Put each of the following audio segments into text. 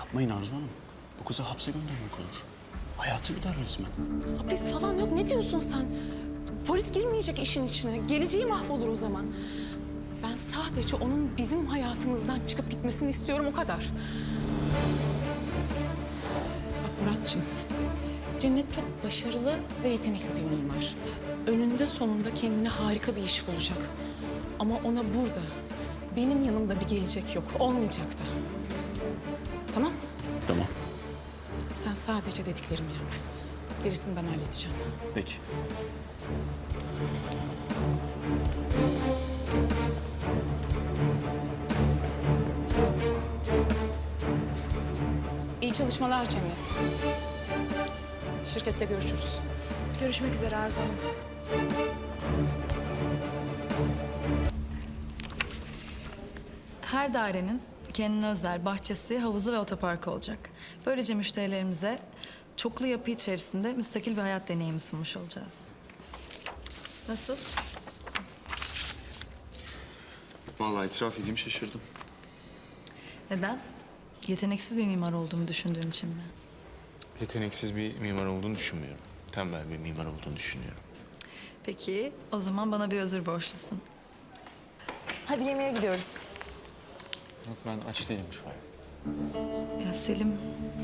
Yapmayın Arzu Hanım. Bu kızı hapse göndermek olur. Hayatı gider resmen. Hapis falan yok. Ne diyorsun sen? Polis girmeyecek işin içine. Geleceği mahvolur o zaman. Ben sadece onun bizim hayatımızdan çıkıp gitmesini istiyorum, o kadar. Bak Muratçım, Cennet çok başarılı ve yetenekli bir mimar. Önünde sonunda kendine harika bir iş bulacak. Ama ona burada, benim yanımda bir gelecek yok. Olmayacak da. Tamam? Tamam. Sen sadece dediklerimi yap. Gerisini ben halledeceğim. Peki. İyi çalışmalar Cennet. Şirkette görüşürüz. Görüşmek üzere Arzu Hanım. Her dairenin kendine özel bahçesi, havuzu ve otoparkı olacak. Böylece müşterilerimize çoklu yapı içerisinde müstakil bir hayat deneyimi sunmuş olacağız. Nasıl? Vallahi itiraf edeyim şaşırdım. Neden? Yeteneksiz bir mimar olduğumu düşündüğün için mi? Yeteneksiz bir mimar olduğunu düşünmüyorum. Tembel bir mimar olduğunu düşünüyorum. Peki, o zaman bana bir özür borçlusun. Hadi yemeğe gidiyoruz. Yok ben aç değilim şu an. Ya Selim,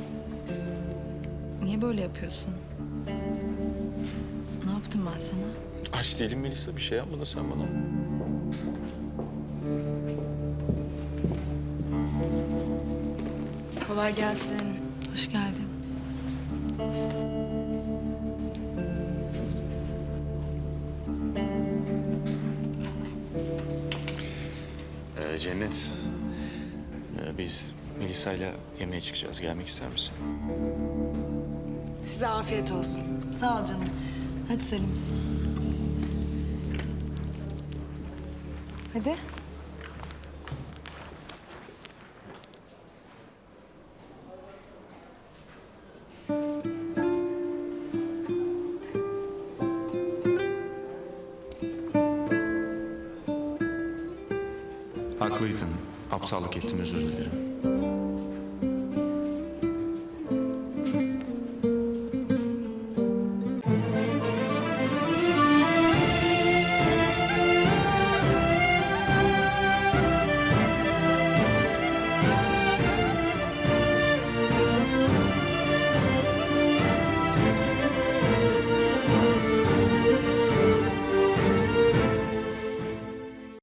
niye böyle yapıyorsun? Ne yaptım ben sana? Aç değilim Melisa, bir şey yapmadın sen bana. Kolay gelsin. Hoş geldin. Cennet, biz Melisa'yla yemeğe çıkacağız. Gelmek ister misin? Size afiyet olsun. Sağ ol canım. Hadi Selim. Hadi. Haklıydın. Aptallık ettim, özür dilerim.